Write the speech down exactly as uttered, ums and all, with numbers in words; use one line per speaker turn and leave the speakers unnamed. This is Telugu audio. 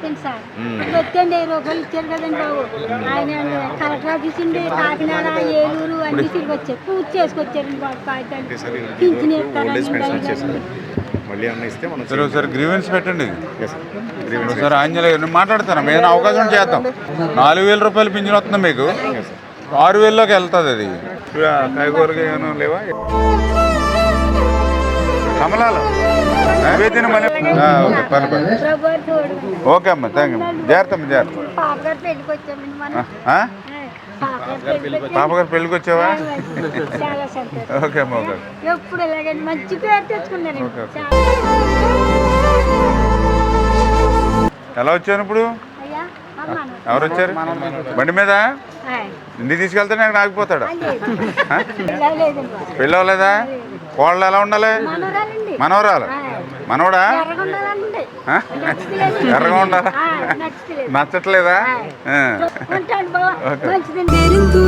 వస్తాను సార్ వచ్చండి వెయ్యి రూపాయలు ఇచ్చారు కదండి బాబు ఆయన కలెక్టర్ ఆఫీస్ ఉండి కాకినాడ ఏలూరు అన్ని తిరిగి వచ్చారు పూజ చేసుకొచ్చారండి బాబు కాగితాలు పింఛన్ ఇస్తారని
మళ్ళీ అన్న ఇస్తే మనం
సరే ఒకసారి గ్రీవెన్స్ పెట్టండి ఒకసారి ఆంజనేయ మాట్లాడతాను మేము అవకాశం చేద్దాం నాలుగు వేల రూపాయలు పింఛన్ వస్తుంది మీకు ఆరు వేలలోకి వెళ్తుంది అది కాయగూరగా ఏమైనా లేవా కమలాలు నైవేద్యం మళ్ళీ ఓకే పర్లేదు ఓకే అమ్మ థ్యాంక్ యూ జాగ్రత్త అమ్మ జాగ్రత్త
పాపగారు పెళ్ళికి వచ్చామండి మనం
పాపగారు పెళ్ళికి వచ్చావా
చాలా సంతోషం
ఓకే అమ్మ ఓకే
ఎప్పుడు ఎలాగండి మంచి పేరు తెచ్చుకున్నారండి
ఎలా వచ్చాను ఇప్పుడు
అయ్యా అమ్మాను
ఎవరు వచ్చారు బండి మీద ఇంటి తీసుకెళ్తానే అక్కడ ఆగిపోతాడు పెళ్ళి అవ్వలేదా కోళ్ళు ఎలా ఉండాలి
మనోరాలండి
మనవరాలు మనవడా
ఎర్రగుండాలండి
ఎర్రగా ఉండాలా
నచ్చలేదు
నచ్చట్లేదా
ఉంటాను బాబా మంచిదండి